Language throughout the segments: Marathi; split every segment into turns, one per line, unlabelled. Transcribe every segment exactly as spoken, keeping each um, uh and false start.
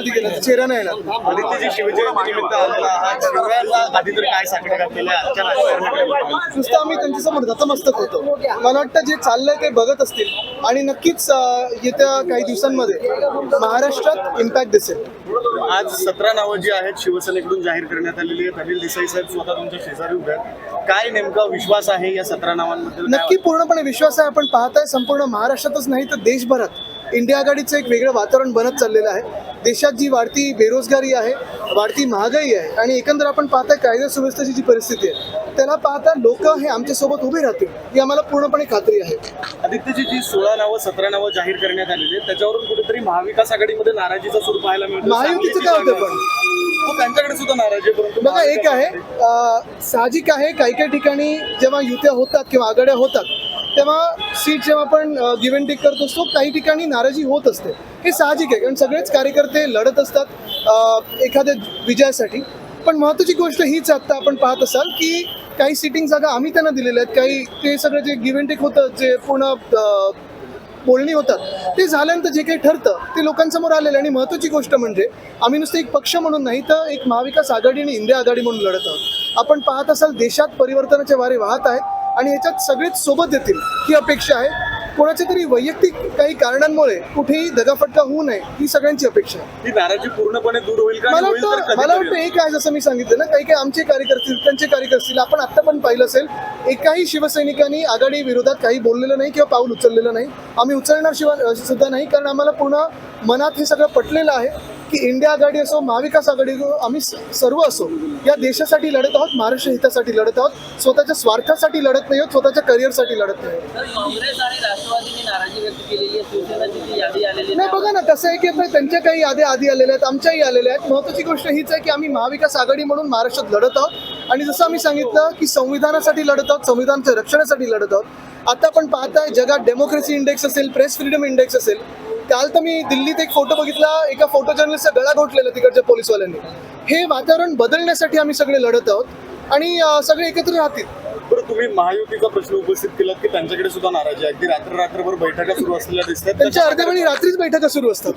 कधी केलं चेहरा नाही येणार.
आदित्यजी शिवजयंती निमित्त आलेला आहात. शिवरायांना आधी तर काय सांगण्यात घातलेलं आहे आजच्या राजकारणाकडे?
नुसतं आम्ही त्यांच्यासमोर नतमस्तक होतो. मला वाटतं जे चाललंय ते बघत असतील आणि नक्कीच अं, येत्या काही दिवसांमध्ये महाराष्ट्रात इम्पॅक्ट दिसेल.
आज सतरा नावं जी आहेत शिवसेनेकडून जाहीर करण्यात आलेली आहेत. अनिल देसाई साहेब स्वतः तुमच्या शेजारी उभे आहेत. काय नेमका विश्वास आहे या सतरा नावांबद्दल?
नक्की पूर्णपणे विश्वास आहे. आपण पाहताय संपूर्ण महाराष्ट्रातच नाही तर देशभरात इंडिया आघाडीचं एक वेगळं वातावरण बनत चाललेलं आहे. देशात जी वाढती बेरोजगारी आहे, वाढती महागाई आहे आणि एकंदर आपण पाहताय कायदा सुव्यवस्थेची जी परिस्थिती आहे त्याला पाहता लोक हे आमच्यासोबत उभे राहतील ही आम्हाला पूर्णपणे खात्री आहे.
आदित्यजी जी सोळा नावं सतरा नावं जाहीर करण्यात आलेली आहेत त्याच्यावरून कुठेतरी महाविकास आघाडीमध्ये नाराजीचा सूर पाहायला मिळतो.
महायुतीचं काय होतं पण
हो, त्यांच्याकडे सुद्धा नाराजी आहे. परंतु
बघा एक आहे अं, साहजिक आहे काही काही ठिकाणी जेव्हा युत्या होतात किंवा आघाड्या होतात तेव्हा सीट जेव्हा आपण गिव्ह अँड टेक करत असतो काही ठिकाणी नाराजी होत असते. हे साहजिक आहे कारण सगळेच कार्यकर्ते लढत असतात अं, एखाद्या विजयासाठी. पण महत्त्वाची गोष्ट हीच आत्ता आपण पाहत असाल की काही सिटिंग जागा आम्ही त्यांना दिलेल्या आहेत. काही ते सगळं जे गिव्ह अँड टेक होतं जे पूर्ण अं, बोलणी होतात ते झाल्यानंतर जे काही ठरतं ते लोकांसमोर आलेलं. आणि महत्त्वाची गोष्ट म्हणजे आम्ही नुसतं एक पक्ष म्हणून नाही तर एक महाविकास आघाडी आणि इंडिया आघाडी म्हणून लढत आहोत. आपण पाहत असाल देशात परिवर्तनाचे वारे वाहत आहेत आणि ह्याच्यात सगळेच सोबत येतील ही अपेक्षा आहे. कोणाच्या तरी वैयक्तिक काही कारणांमुळे कुठेही दगाफटका होऊ नये ही सगळ्यांची अपेक्षा आहे.
ही नाराजी पूर्णपणे दूर होईल का?
मला
होईल तर
वाटतं
कधी
मला
तरी
वाटतं एक आहे जसं मी सांगितलं ना काही काही आमचे कार्यकर्ते त्यांचे कार्यकर्ते आपण आत्ता पण पाहिलं असेल एकाही शिवसैनिकांनी आघाडी विरोधात काही बोललेलं नाही किंवा पाऊल उचललेलं नाही. आम्ही उचलणार शिवाय सुद्धा नाही कारण आम्हाला पूर्ण मनात हे सगळं पटलेलं आहे की इंडिया आघाडी असो महाविकास आघाडी असो आम्ही सर्व असो या देशासाठी लढत आहोत, महाराष्ट्र हितासाठी लढत आहोत. स्वतःच्या स्वार्थासाठी लढत नाही आहोत, स्वतःच्या करिअरसाठी लढत नाही आहोत.
काँग्रेस आणि राष्ट्रवादीने नाराजी व्यक्त केलेली आहे. शिवसेनेची जी यादी आलेली
नाही बघा ना कसं आहे की आता त्यांच्या काही याद्या आधी आलेल्या आहेत आमच्याही आलेल्या आहेत. महत्त्वाची गोष्ट हीच आहे की आम्ही महाविकास आघाडी म्हणून महाराष्ट्रात लढत आहोत आणि जसं आम्ही सांगितलं की संविधानासाठी लढत आहोत, संविधानाच्या रक्षणासाठी लढत आहोत. आता आपण पाहताय जगात डेमोक्रेसी इंडेक्स असेल, प्रेस फ्रीडम इंडेक्स असेल. काल तर मी दिल्लीत एक फोटो बघितला एका फोटो जर्नलिस्टचा गळा घोटलेला तिकडच्या पोलिसवाल्यांनी. हे वातावरण बदलण्यासाठी आम्ही सगळे लढत आहोत आणि अं, सगळे एकत्र राहतील.
बरं, तुम्ही महायुतीचा प्रश्न उपस्थित केला की त्यांच्याकडे सुद्धा नाराजी आहे. अगदी रात्र रात्रभर बैठका सुरू असलेल्या दिसतात.
त्यांच्या अर्ध्या वेळी रात्रीच बैठका सुरू असतात.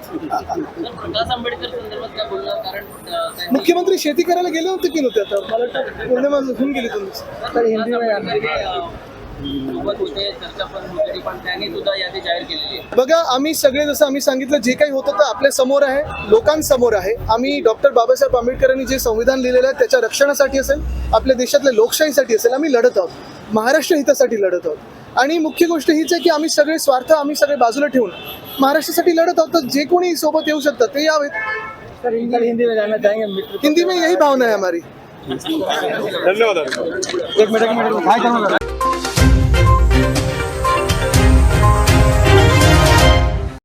प्रकाश आंबेडकर संदर्भात काय बोलणार? कारण अं, त्यांनी
मुख्यमंत्री शेती करायला गेले होते की नव्हते आता मला वाटतं पौर्णिमा होऊन गेली तुम्ही.
प्रकाश आंबेडकर, अं, सोबत होते, चर्चा पण होती, पण त्यांनी सुद्धा यादी जाहीर केलेली आहे.
बघा आम्ही सगळे जसं आम्ही सांगितलं जे काही होतं ते आपल्या समोर आहे, लोकांसमोर आहे. आम्ही डॉक्टर बाबासाहेब आंबेडकरांनी जे संविधान लिहिलेलं आहे त्याच्या रक्षणासाठी असेल, आपल्या देशातल्या लोकशाहीसाठी असेल आम्ही लढत आहोत, महाराष्ट्र हितासाठी लढत आहोत. आणि मुख्य गोष्ट हीच आहे की आम्ही सगळे स्वार्थ आम्ही सगळे बाजूला ठेवून महाराष्ट्रासाठी लढत आहोत. तर जे कोणी सोबत येऊ शकतात ते यावेत.
हिंदी में जाना चाहेंगे?
हिंदी में यही भावना है हमारी.
धन्यवाद.
एक मिनट